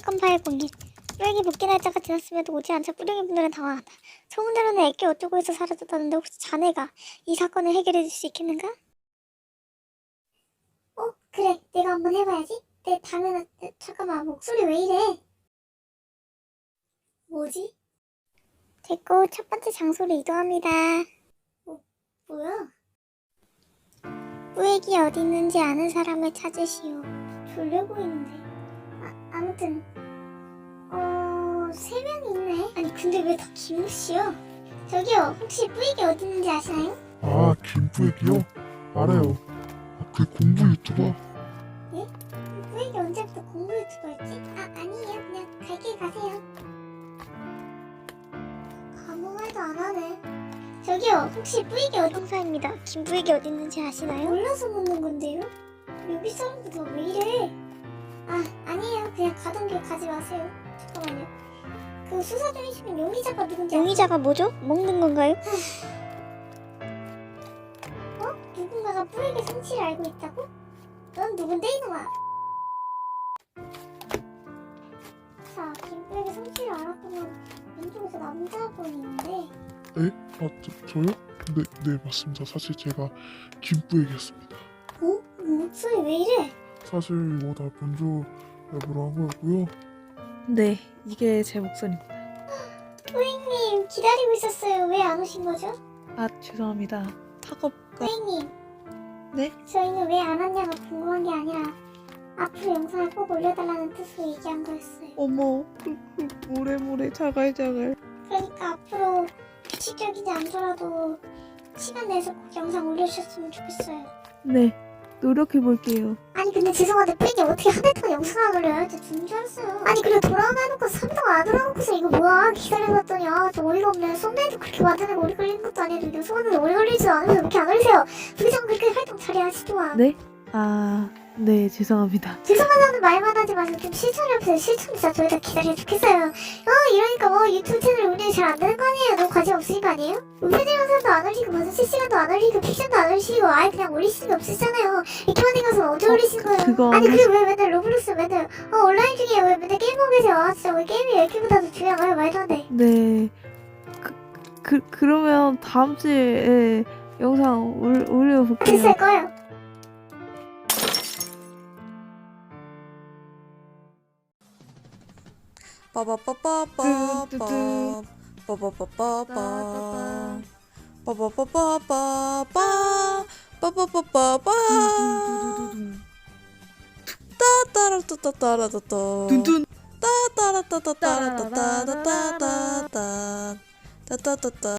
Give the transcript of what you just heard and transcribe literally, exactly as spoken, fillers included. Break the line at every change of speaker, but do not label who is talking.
사건 파일 공개. 뿌레기 복귀 날짜가 지났음에도 오지 않자 뿌레기 분들은 당황하다. 소문대로는 애기 어쩌고 해서 사라졌다는데 혹시 자네가 이 사건을 해결해 줄 수 있겠는가? 어? 그래, 내가 한번 해봐야지. 내 당연한... 잠깐만, 목소리 왜 이래? 뭐지? 됐고, 첫 번째 장소로 이동합니다. 뭐, 뭐야? 뿌액이 어디 있는지 아는 사람을 찾으시오. 졸려 보이는데. 아, 아무튼 어... 세 명이 있네. 아니 근데 왜 다 김우씨요? 저기요, 혹시 뿌액이 어디 있는지 아시나요?
아, 김뿌액이요? 알아요. 아, 그 공부 유튜버.
예? 뿌액이 언제부터 공부 유튜버였지? 아, 아니에요. 그냥 갈 길 가세요. 아무 말도 안 하네. 저기요, 혹시 뿌액이 어디... 동사입니다. 김뿌액이 어디 있는지 아시나요? 몰라서 묻는 건데요? 여기 사람들 다 왜 이래? 아, 아니에요. 그냥 가던 길 가지 마세요. 잠깐만요. 그 수사 중이시면 용의자가 누군지... 용의자가 뭐죠? 먹는 건가요? 어? 누군가가 뿌액의 성취를 알고 있다고? 넌 누군데 이놈아? 자, 김뿌액의 성취를 알았다면 왼쪽에서 남자분이 있는데...
에? 아, 저, 저요? 네, 네, 맞습니다. 사실 제가 김뿌액이었습니다.
어? 목소리 왜 이래?
사실 이거 다 변조 랩으로 한 거였고요.
네, 이게 제 목소리입니다.
뿌액님, 기다리고 있었어요. 왜 안 오신 거죠?
아, 죄송합니다. 학업가...
뿌액님,
네?
저희는 왜 안 왔냐가 궁금한 게 아니라 앞으로 영상을 꼭 올려달라는 뜻으로 얘기한 거였어요.
어머, 그, 그 모래모래 자갈자갈.
그러니까 앞으로 규칙적이지 않더라도 시간 내서 꼭 영상 올려주셨으면 좋겠어요.
네, 노력해볼게요.
아니 근데 죄송한데 뿌리기 어떻게 한 달 동안 영상 안 올려요? 진짜 죽는 줄 알았어요. 아니 그래 돌아오나 해놓고 삼 일 동안 안 돌아오고서 이거 뭐야? 기다려봤더니 아 좀 어이가 없네. 썸네일도 그렇게 만드는 오래 걸리는 것도 아니고 영상하는데 오래 걸리지도 않으면서 왜 이렇게 안 올리세요? 부장 그렇게 활동 잘해야지 또한.
네? 아, 네, 죄송합니다.
죄송하다는 말만 하지 마시고 좀 실천해보세요. 실천 진짜 저희 다 기다려 죽겠어요. 어 이러니까 뭐 유튜브 채널 운영이 잘 안 되는 거 아니에요? 너무 관심 없으신 거 아니에요? 우회전 영상도 안 올리고 무슨 실시간도 안 올리고 픽션도 안 올리시고 아예 그냥 올리시는 게 없으시잖아요. 이렇게만 생겨서 언제
어,
올리신 거예요?
그거
아니
사실-
그리고 왜 맨날 로블록스 맨날 어 온라인 중에 왜 맨날 게임하고 계세요? 아 진짜 왜 게임이 이렇게보다 더 중요한가요? 말도 안 돼.
네, 그, 그, 그러면 다음 주에 영상 올, 올려볼게요.
됐어요 꺼요.
빠바빠빠빠
뚜뚜뚜.
빠바빠빠빠 빠바빠빠빠 빠바빠빠빠 따따라따따따라따따
둔둔.
따따라따따따라따따따따따 따따따따